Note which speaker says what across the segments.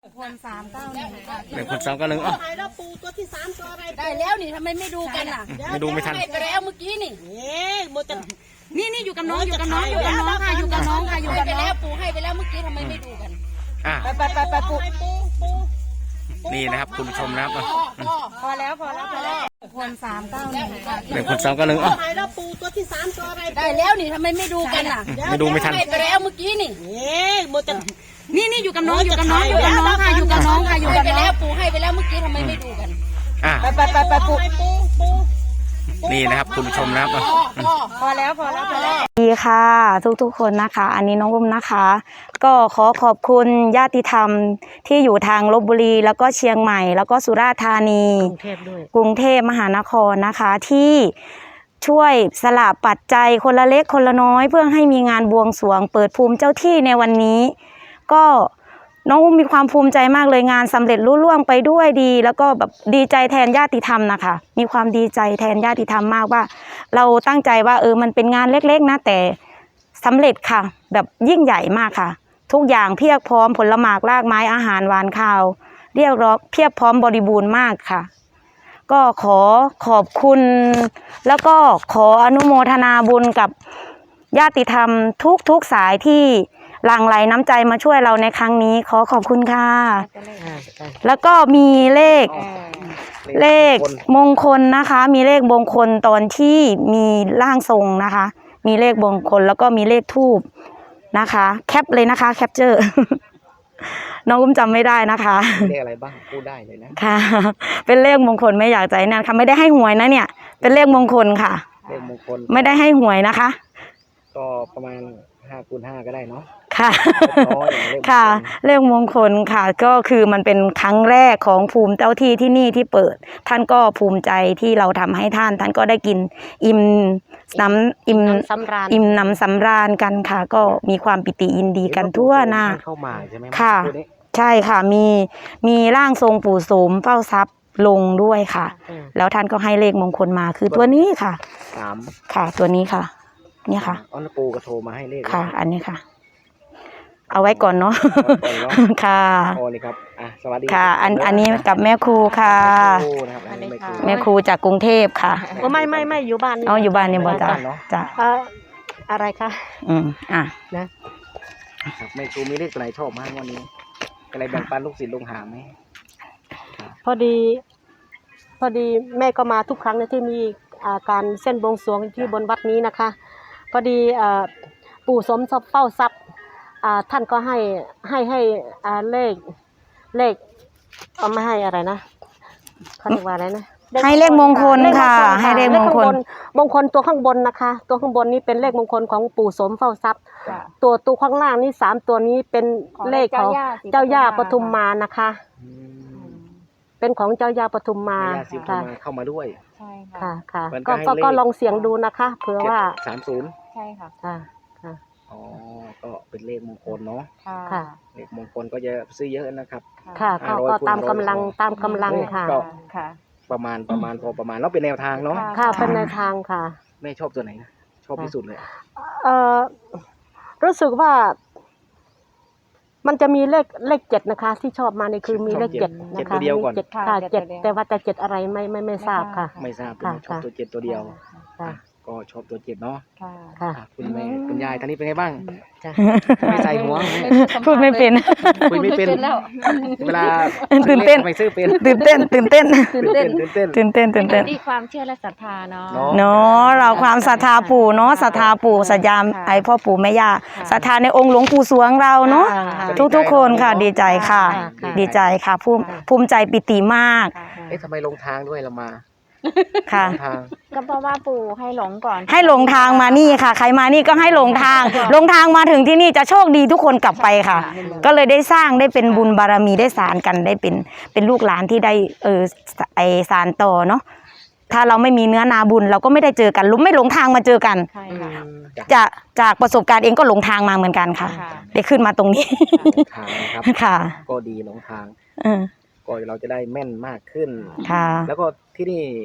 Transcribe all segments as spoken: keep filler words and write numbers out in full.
Speaker 1: คนสามเก้าหนึ่งค่ะ
Speaker 2: หนึ่งคนสามเก้าหนึ่งอ่ะ
Speaker 3: ถ่ายแล้วปูตัวที่สามตัวอะไร
Speaker 1: ได้แล้วนี่ทำไมไม่ดูกันอ่ะ
Speaker 2: ไม่ดูไม่ทัน
Speaker 1: ไปแล้วเมื่อกี้นี่
Speaker 3: เอ๊ะโมจะ
Speaker 1: นี่นี่อยู่กับน้องอยู่กับน้องอยู่กับน้องค่ะอยู่กับน้องค่ะอยู่กับน้องปูให้ไปแล้วเมื่อกี้ทำไมไม่ดูกัน
Speaker 2: อ่ะ
Speaker 1: ไปไปไปไปปู
Speaker 3: ปูปู
Speaker 2: นี่นะครับคุณผู้ชมนะครับอ่ะ
Speaker 1: พอแล้วพอแล้วพอแล้วคนสามเก้าหนึ่งค่ะ
Speaker 2: หนึ่งคนสามเก้าหนึ่งอ่ะ
Speaker 3: ถ่ายแล้วปูตัวที่สามตัวอะไร
Speaker 1: ได้แล้วนี่ทำไมไม่ดูกันอ่ะ
Speaker 2: ไม่ดูไม่ทัน
Speaker 1: ไปแล้วเมื่อกี้นี่
Speaker 3: เอ๊ะโมจะ
Speaker 1: นี่นี่อยู่กับน้องอยู่กับน้องอยู่กับน้องค่ะอยู่กับน้องค่ะอยู่กับน้องไปแล้วปูให้ไปแล้วเมื่อกี้ทำไมไม่ดูกัน
Speaker 2: อ่ะ
Speaker 1: ไปไปไปไปปู
Speaker 3: ปูปู
Speaker 2: นี่นะครับคุณผู้ชมนะครับอ่ะ
Speaker 1: พอแล้วพอแล้วพอแล้ว
Speaker 4: ดีค่ะทุกๆคนนะคะอันนี้น้องอุ้มนะคะ ก็ขอขอบคุณญาติธรรมที่อยู่ทางลพบุรีแล้วก็เชียงใหม่แล้วก็สุราษฎร์ธานี
Speaker 3: กรุงเทพด้วย
Speaker 4: กรุงเทพมหานครนะคะที่ช่วยสละปัจจัยคนละเล็กคนละน้อยเพื่อให้มีงานบวงสรวงเปิดภูมิเจ้าที่ในวันนี้ ก็น้องอุ้มมีความภูมิใจมากเลยงานสำเร็จรุ่ล่วงไปด้วยดี แล้วก็แบบดีใจแทนญาติธรรมนะคะมีความดีใจแทนญาติธรรมมากว่า เราตั้งใจว่าเออมันเป็นงานเล็กๆนะแต่สำเร็จค่ะแบบยิ่งใหญ่มากค่ะทุกอย่างเพียบพร้อมผลหมากรากไม้อาหารหวานข้าวเรียกร้องเพียบพร้อมบริบูรณ์มากค่ะ ก็ขอขอบคุณแล้วก็ขออนุโมทนาบุญกับญาติธรรมทุกทุกสายที่หลั่งไหลน้ำใจมาช่วยเราในครั้งนี้ขอขอบคุณค่ะแล้วก็มีเลขเลขมงคลนะคะมีเลขมงคลตอนที่มีร่างทรงนะคะมีเลขมงคลแล้วก็มีเลขทูปนะคะแคปเลยนะคะแคปเจอร์ น้องอุ้มจำไม่ได้นะคะ
Speaker 2: เลขอะไรบ้างพูดได้เลยนะ
Speaker 4: ค่ะเป็นเลขมงคลไม่อยากใจนั่นค่ะไม่ได้ให้หวยนะเนี่ยเป็นเลขมงคลค่ะ
Speaker 2: เลขมงคล
Speaker 4: ไม่ได้ให้หวยนะคะ
Speaker 2: ก็ประมาณห้าคูณห้าก็ได้เนาะ
Speaker 4: ค่ะ
Speaker 2: น้อยอย่างเลข
Speaker 4: ค่ะเลขมงคลค่ะก็คือมันเป็นครั้งแรกของภูมิเจ้าที่ที่นี่ที่เปิด ท่านก็ภูมิใจที่เราทำให้ท่านท่านก็ได้กินอิ่มน้ำอิ่ม
Speaker 3: สำราญ
Speaker 4: อิ่มน้ำสำราญกันค่ะ ก็มีความปิติยินดีกันทั่วหน้า
Speaker 2: เข้ามาใช่ไหม
Speaker 4: ค่ะ
Speaker 2: ตัวนี้
Speaker 4: ใช่ค่ะมีมีร่างทรงปู่โสมเฝ้าทรัพย์ลงด้วยค่ะ แล้วท่านก็ให้เลขมงคลมาคือตัวนี้ค่ะ
Speaker 2: สาม
Speaker 4: ค่ะ ตัวนี้ค่ะ เนี่ยค่ะ
Speaker 2: อ๋อแล้วปูก็โทรมาให้เลข
Speaker 4: ค่ะ อันนี้ค่ะ เอาไว้ก่อนเนาะ
Speaker 2: ก่อนเนาะ
Speaker 4: ค่ะ
Speaker 2: โอ้นี่ครับอ่ะสวัสดี
Speaker 4: ค่ะ อันอันนี้กับแม่ครูค่ะ
Speaker 2: แม่ครูนะครับอันนี้แม่ครู
Speaker 4: แม่ครูจากกรุงเทพค่ะ
Speaker 3: โอ้ไม่ไม่ไม่อยู่บ้าน
Speaker 4: เอาอยู่บ้านเนี่ยบ่จ้ะจ้ะ
Speaker 3: เอ่ออะไรคะ
Speaker 4: อืมอ่ะ
Speaker 2: ครับแม่ครูมีเลขตัวไหนชอบมากวันนี้อะไรแบ่งปันลูกศิษย์ลูกหาไหม
Speaker 3: พอดี พอดีแม่ก็มาทุกครั้งนะที่มีอ่าการเส้นบวงสรวงที่บนวัดนี้นะคะ พอดีอ่าปู่สมทรัพย์เฝ้าทรัพย์อ่าท่านก็ให้ให้ให้อ่าเลขเลขเอาไม่ให้อะไรนะเขาเรียกว่าอะไรนะ
Speaker 4: ให้เลขมงคลค่ะให้เลขมงคล
Speaker 3: มงคลตัวข้างบนนะคะ ตัวข้างบนนี้เป็นเลขมงคลของปู่สมเฝ้าทรัพย์ ตัวตัวข้างล่างนี่สามตัวนี้เป็นเลขของเจ้าย่าปทุมมานะคะ
Speaker 2: อืม
Speaker 3: เป็นของเจ้าย่าปทุมมา
Speaker 2: แม่ย่าศิลป์เข้า
Speaker 3: ค่ะ
Speaker 2: มาเข้ามาด้วย
Speaker 1: ใช่
Speaker 3: ค่ะค่ะ
Speaker 2: มันก็
Speaker 3: ก็
Speaker 2: ให้
Speaker 3: ก็
Speaker 2: เลข
Speaker 3: ก็ลองเสียงดูนะคะ เผื่อว่า
Speaker 2: สามศูนย์
Speaker 1: ใช่ค่ะ
Speaker 3: ค่ะค่ะ
Speaker 2: อ๋อก็เป็นเลขมงคลเนาะ
Speaker 3: ค่ะ
Speaker 2: เลขมงคลก็จะซื้อเยอะนะครับ
Speaker 3: ค่ะก็
Speaker 2: ห้าร้อย
Speaker 3: ก็
Speaker 2: คูณ
Speaker 3: ตาม
Speaker 2: ร้อย
Speaker 3: กำลังตามกำลังค่ะ
Speaker 2: ก็
Speaker 1: ค่ะ
Speaker 2: ประมาณประมาณพอประมาณแล้วเป็นแนวทางเนาะ
Speaker 3: ค่ะเป็นในทางค่ะ
Speaker 2: แม่ชอบตัวไหนนะชอบที่สุดเลย
Speaker 3: เอ่อรู้สึกว่า มันจะมีเลขเลขเจ็ดนะคะ ที่ชอบมานี่คือมีเลขเจ็ด
Speaker 2: เจ็ด
Speaker 3: นะคะ
Speaker 2: ตัวเดียวก่อน
Speaker 3: มีเจ็ดค่ะเจ็ดแต่ว่าจะเจ็ดอะไรไม่ไม่ไม่ทราบค่ะ
Speaker 2: ไม่ทราบเป็น
Speaker 3: ค่ะ
Speaker 2: ชอบตัวเจ็ดตัวเดียว
Speaker 3: ค่ะ
Speaker 2: อ่ะก็ชอบตัวเจ็ดเนาะ
Speaker 1: ค่ะ
Speaker 3: ค่ะ
Speaker 2: อ่ะคุณแม่คุณยายท่านนี้เป็นไงบ้าง
Speaker 3: จ้ะ
Speaker 2: ไม่ใส่หัว
Speaker 4: พูดไม่เป็น
Speaker 2: คุยไม่เป็น
Speaker 1: แล้ว
Speaker 2: เวลา
Speaker 4: ตื่นเต้น
Speaker 2: ไม่ซื้อเป็น
Speaker 4: ตื่นเต้นตื่นเต้น
Speaker 2: ตื่นเต้นตื่นเต้น
Speaker 4: ตื่นเต้นตื่นเต้น
Speaker 1: ที่ความเชื่อและศรัทธาเนาะ
Speaker 2: เนาะ
Speaker 4: เนาะเราความศรัทธาปู่เนาะศรัทธาปู่สัญญามไอพ่อปู่แม่ย่าศรัทธาในองค์หลวงปู่สวงเราเนาะ
Speaker 3: ค่ะ
Speaker 4: ทุกทุกๆคนค่ะ ดีใจค่ะ
Speaker 3: ค่ะ
Speaker 4: ดีใจค่ะภูมิภูมิใจปิติมาก
Speaker 2: เอ๊ะทำไมลงทางด้วยเรามา
Speaker 4: ค่ะ
Speaker 2: ลงทาง
Speaker 1: ก็เพราะว่าปู่ให้หลงก่อน
Speaker 4: ให้หลงทางมานี่ค่ะ ใครมานี่ก็ให้หลงทางหลงทางมาถึงที่นี่จะโชคดีทุกคนกลับไปค่ะ ก็เลยได้สร้างได้เป็นบุญบารมีได้สานกันได้เป็นเป็นลูกหลานที่ได้เออไอสานต่อเนาะถ้าเราไม่มีเนื้อนาบุญเราก็ไม่ได้เจอกันลุไม่หลงทางมาเจอกัน
Speaker 1: ใช่ค่ะ
Speaker 4: จากจากประสบการณ์เองก็หลงทางมาเหมือนกันค่ะ
Speaker 1: ค่ะ
Speaker 4: ได้ขึ้นมาตรงนี้
Speaker 2: ลงทางนะครับ
Speaker 4: ค่ะ
Speaker 2: ก็ดีหลงทาง
Speaker 4: เออ
Speaker 2: ก็เราจะได้แม่นมากขึ้น
Speaker 4: ค่ะ
Speaker 2: แล้วก็ที่นี่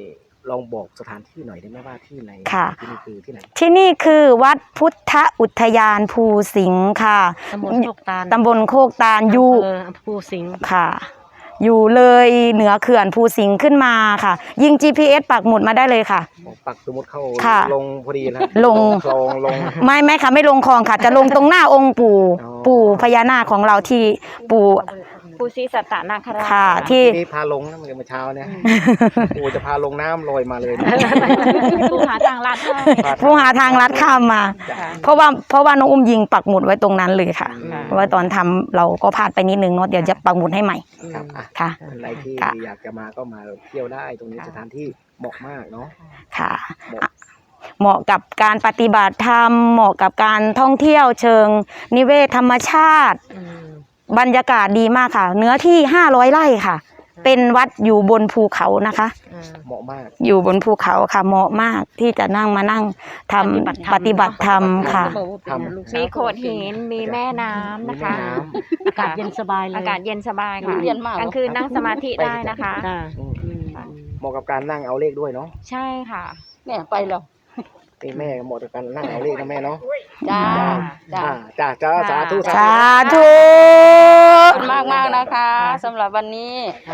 Speaker 2: ลองบอกสถานที่หน่อยได้ไหมว่าที่ไหน
Speaker 4: ค่ะ
Speaker 2: ที่นี่คือที่ไหน
Speaker 4: ที่นี่คือวัดพุทธอุทยานภูสิงห์ค่ะ
Speaker 3: ตำบลโคกตาล
Speaker 4: ตำบลโคกตาลอยู่
Speaker 3: อำเภอภูสิงห์
Speaker 4: ค่ะ อยู่เลยเหนือเขื่อนภูสิงห์ขึ้นมาค่ะ ยิง จี พี เอส ปักหมุดมาได้เลยค่ะ
Speaker 2: ปักสมมติเข้า
Speaker 4: ค่ะ
Speaker 2: ลงพอดีแล้ว
Speaker 4: ลง
Speaker 2: คลองลง
Speaker 4: ไม่ไม่ค่ะไม่ลงคลองค่ะ จะลงตรงหน้าองค์ปู่
Speaker 2: อ๋อ
Speaker 4: ปู่พญานาคของเราที่ปู่
Speaker 1: ปูซีสัตตนาคราช
Speaker 4: ค่ะที่
Speaker 2: นี่พาลงนะเมื่อเช้าเนี่ยปู่จะพาลงน้ำลอยมาเลย
Speaker 1: ปูหาทางลัดให้
Speaker 4: ผู้หาทางลัดข้ามมา เพราะว่าเพราะว่าน้องอุ้มยิงปักหมุดไว้ตรงนั้นเลยค่ะ
Speaker 2: ค่ะ
Speaker 4: เพราะว่าตอนทำเราก็พลาดไปนิดนึงเนาะเดี๋ยวจะปักหมุดให้ใหม่
Speaker 2: ครับอ่ะ
Speaker 4: ค่ะ
Speaker 2: อะไรที่
Speaker 4: ค่ะ
Speaker 2: อยากจะมาก็มาเที่ยวได้ตรงนี้สถานที่เหมาะมากเนาะ
Speaker 4: ค่ะ
Speaker 2: เหมาะ
Speaker 4: อ่ะเหมาะกับการปฏิบัติธรรมเหมาะกับการท่องเที่ยวเชิง นิเวศธรรมชาติ บรรยากาศดีมากค่ะ เนื้อที่ห้าร้อยไร่ค่ะ เป็นวัดอยู่บนภูเขานะคะ
Speaker 2: เหมาะมาก
Speaker 4: อยู่บนภูเขาค่ะเหมาะมากที่จะนั่งมานั่งทำปฏิบัติธรรมค่ะ
Speaker 2: ทำ
Speaker 1: มีโขดหินมีแม่น้ำนะคะ
Speaker 2: มีแม่น้
Speaker 3: อากาศเย็นสบายเลย
Speaker 1: อากาศเย็นสบายค่ะ
Speaker 3: เย็นมาก
Speaker 1: กลางคืนนั่งสมาธิได้นะคะ
Speaker 3: ค่ะ
Speaker 2: อืมเหมาะกับการนั่งเอาเลขด้วยเนาะ
Speaker 1: ใช่ค่ะ
Speaker 3: เนี่ยไปแล้ว
Speaker 2: นี่แม่เหมาะกับการนั่งเอาเลขนะแม่เนาะ
Speaker 1: จ้าจ้า
Speaker 2: อ่าจ้าจ้าสาธุ
Speaker 4: สาธุ
Speaker 1: ขอบคุณมากมากๆนะคะสำหรับวันนี้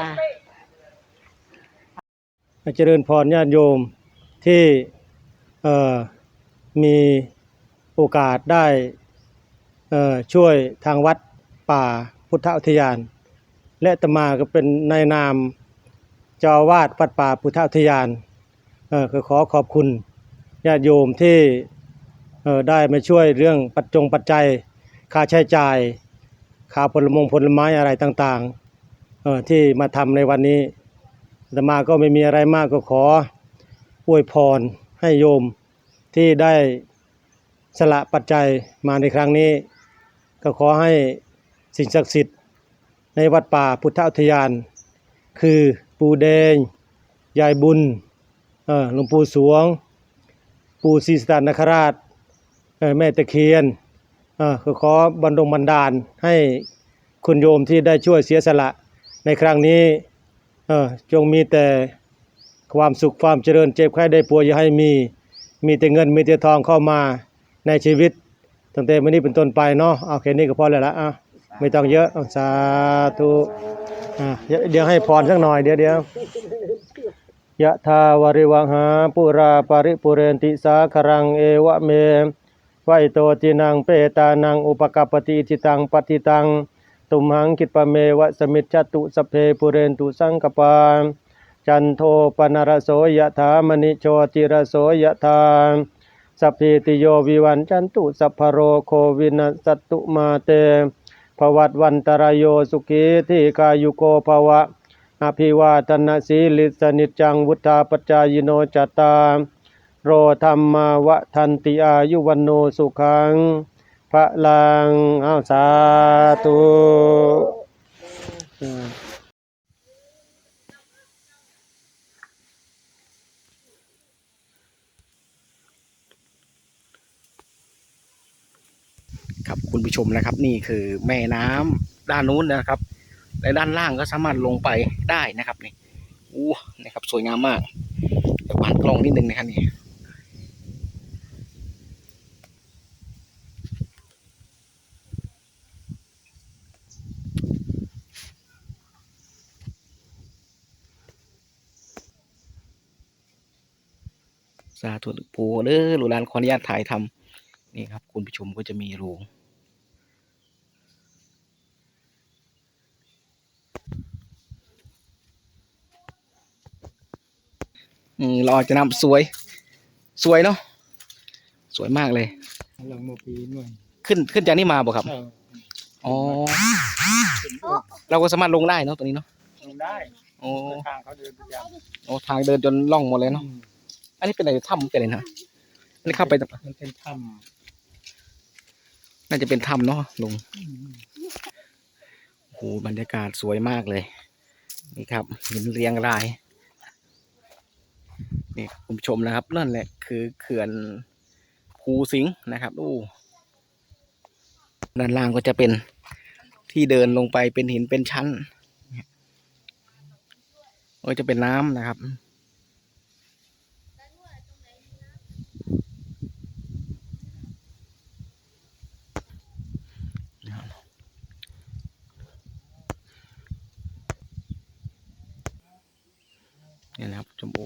Speaker 5: เจริญพรญาติโยมที่เอ่อมีโอกาสได้เอ่อช่วยทางวัดป่าพุทธอุทยาน และอาตมาก็เป็นนายนามเจ้าอาวาสวัดป่าพุทธอุทยานเอ่อก็ขอขอบคุณญาติโยมที่เอ่อได้มาช่วยเรื่องปัจจงปัจจัยค่าใช้จ่ายค่าผลมงผลไม้อะไรต่างๆเอ่อที่มาทำในวันนี้ อาตมาก็ไม่มีอะไรมากก็ขออวยพรให้โยมที่ได้สละปัจจัยมาในครั้งนี้ ก็ขอให้สิ่งศักดิ์สิทธิ์ในวัดป่าพุทธอุทยาน คือปู่แดงยายบุญเอ่อหลวงปู่สวง ปู่ศรีสัตนคราชเอ่อแม่ตะเคียนเอ่อก็ขอบันดลบันดาลให้คุณโยมที่ได้ช่วยเสียสละในครั้งนี้ เออจงมีแต่ความสุขความเจริญเจ็บไข้ได้ป่วยอย่าให้มีมีแต่เงินมีแต่ทองเข้ามาในชีวิตตั้งแต่วันนี้เป็นต้นไปเนาะเอาแค่นี้ก็พอแล้วละอ่ะไม่ต้องเยอะเอาสาธุอ่ะเดี๋ยวเดี๋ยวให้พรสักหน่อยเดี๋ยวเดี๋ยวยะทาวริวังหาปุราปาริปุเรนติสาครังเอวะเมไวโตตินังเปตานังอุปกัปปติอิทิตังปฏิตังตุมหังคิปะเมวะสมิจจตุสพเพปุเรนตุสังกปาจันโทปนรโสยะถามณิโชติรโสยะถาสัพพิติโยวิวันจันตุสัพพโรโควินัสสตุมาเตภวัตวันตรายโยสุขีทีกายุโกภวะอภิวาทนาสีลิสนิจจังวุธาปจายโนจตตารโรธรรมาวะทันติอายุวันโนสุขังพระลังเอาสาธุ
Speaker 2: ครับคุณผู้ชมนะครับนี่คือแม่น้ำด้านนู้นนะครับและด้านล่างก็สามารถลงไปได้นะครับนี่อู้นะครับสวยงามมากเดี๋ยววางกล้องนิดนึงนะครับนี่สาธุปู่เด้อหลูหลานขออนุญาตถ่ายทำนี่ครับคุณผู้ชมก็จะมีรูอืมเราจะนำสวยสวยเนาะสวยมากเลย
Speaker 5: หลังโมปีหน่อย
Speaker 2: ขึ้นขึ้นจากนี่มาบ่ครับอ๋อเราก็สามารถลงได้เนาะตัวนี้เนาะ
Speaker 5: ลงได้
Speaker 2: โอ้
Speaker 5: ทางเขาเดินประจ
Speaker 2: โอ้ทางเดินจนล่องหมดเลยเนาะอันนี้เป็นอะไรถ้ำเป็นอะไรนะอันนี้เข้าไป
Speaker 5: ำมันเป็นถ้
Speaker 2: น่าจะเป็นถ้ำเนาะลง
Speaker 5: ำ
Speaker 2: โอ้โหบรรยากาศสวยมากเลยนี่ครับหินเรียงรายนี่คุณผู้ชมนะครับนั่นแหละคือเขื่อนภูสิงห์นะครับอู้ด้านล่างก็จะเป็นที่เดินลงไปเป็นหินเป็นชั้นก็จะเป็นน้ำนะครับเนี่ยนะครับชมโอ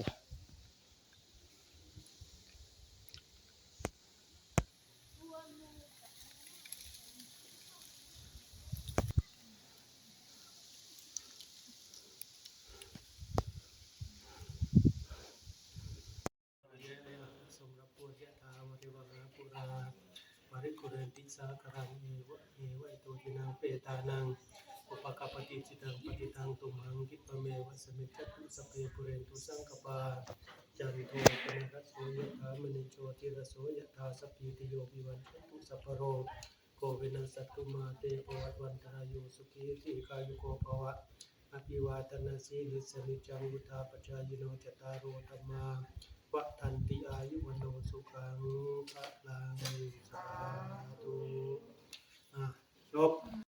Speaker 5: ปริกุเรนติสาคารังเอวะเอวะอิโตทินังเปตานังอุปกปปติจิตังปฏิตังตุมหังคิปะเมวะสมิจจตุสพเพปุเรนตุสังกปาจันโทปนรสโสยถามณิโชติรโสยถาสัพพิติโยวิวันตุสัพพโรโควินัสสัตตุมาเตภวัตวันตรายโยสุขีทีกายุโกภวะอภิวาทนาสีลิสนิจังวุธาปจายโนจตารโอธรรมาวะทันติอายุวโนสุขังพระลังสาธุอ่ะจบ